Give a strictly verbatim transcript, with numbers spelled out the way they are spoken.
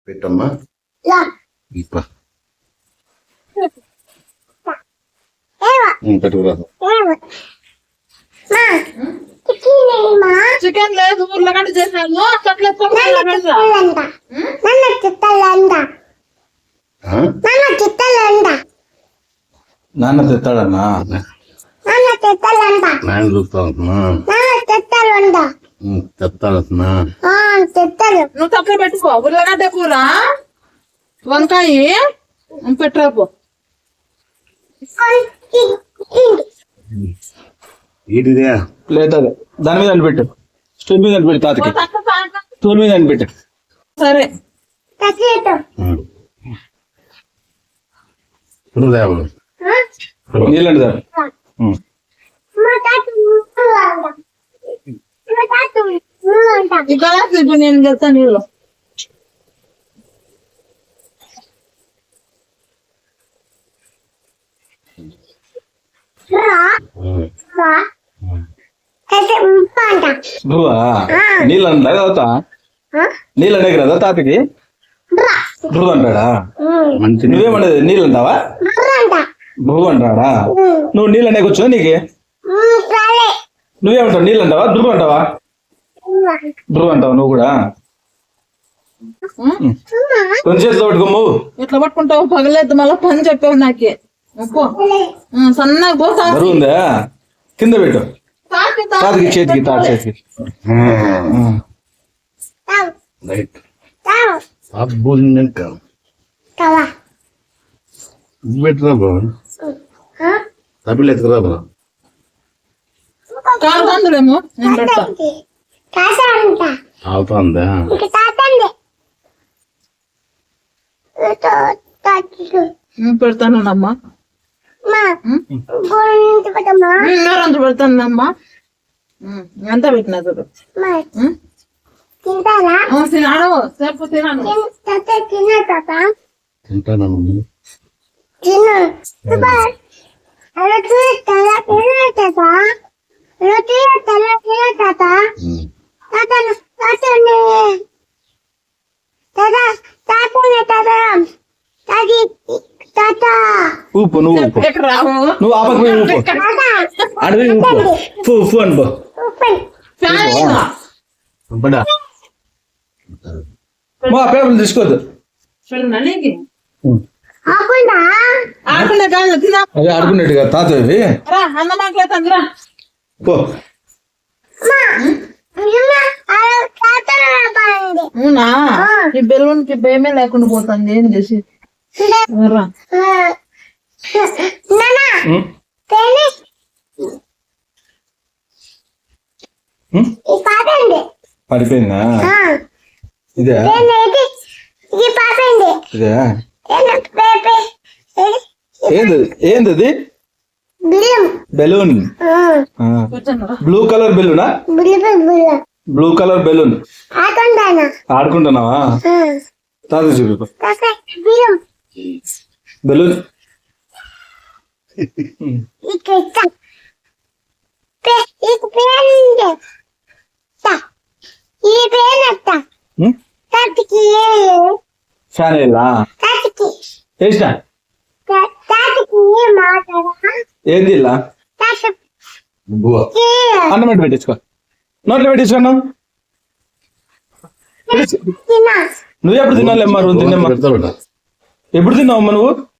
పెట్టమ్మా ఇప్ప పెట్టుకురా చికెన్ లేదు ఉర్లగడ్డ చేసాను నాన్న తెస్తాడన్నా నాయన చూస్తావుతున్నా తెస్తాడుతున్నా నువ్వు తక్కువ పెట్టుకో ఉర్లగడ్డ కూర వంకాయ పెట్టరాపో ఏంటిదే లేదు అదే దాని మీద అనిపెట్టు స్టూల్ మీద అనిపెట్టు తాతకి స్టూల్ మీద అనిపెట్టు సరే దేవుడు నీళ్ళండి దాని ఈ గ్లాస్ ఇప్పుడు నేను చెప్తాను నీళ్ళు నువ్వా నీళ్ళు అంటా తాత నీళ్ళు అనే కదా తాతకి భూ అంటాడా మంచి నువ్వేమన్నది నీళ్ళు అంటావా భూ అంటాడా నువ్వు నీళ్ళు అనేక వచ్చా నీకు నువ్వేమంటావు నీళ్ళు అంటావా ధ్రువ అంటావా ధ్రువ అంటావా నువ్వు కూడా కొంచెం చేతిలో పట్టుకోము ఇట్లా పట్టుకుంటావు పగలేదు మళ్ళీ పని చెప్పావు నాకే పో సన్నగా పో బరువు ఉందా కింద పెట్టు తాతకి చేతికి తాత చేతికి రైట్ అబ్బు ఇంకా పెట్టరా బా తప్పిలు ఎత్తుకురా బా కాదు అందులేమో నేను పెడతా అవుతుందా పెడతానమ్మా రంజు పెడతానమ్మా ఎంత పెట్టినా చూడు తినాడు సేపు తినాను తింటాను ఊపు నువ్వు ఊపు ఎక్కడ రావు నువ్వు ఆపకు పోయి ఊపు అడవి ఊపు ఉప్పు ఉప్పు అనుకో పడా మా పేపర్లు తీసుకోవద్దు ఆకుండా కాదు తినా అవి ఆడుకున్నట్టుగా తాత ఇవి రా అన్న మాట్లాడుతుంది రా పో అవునా ఈ బెలూన్ కి భయమే లేకుండా పోతుంది ఏం చేసి రా పడిపోయిందా ఇదే ఇదే ఏంది ఏంది అది బెలూన్ బ్లూ కలర్ బెలూనా బ్లూ కలర్ బెలూన్ ఆడుకుంటున్నావా తాత చూపు బెలూన్ ఫ్యాన్ వేయాలా వేసిన ఏంది ఇలా అన్నం పెట్టి పెట్టించుకో నోట్లో పెట్టించుకున్నావు నువ్వు ఎప్పుడు తినాలి అమ్మా నువ్వు తిన్నమ్మా పెడతా ఎప్పుడు తిన్నావమ్మా నువ్వు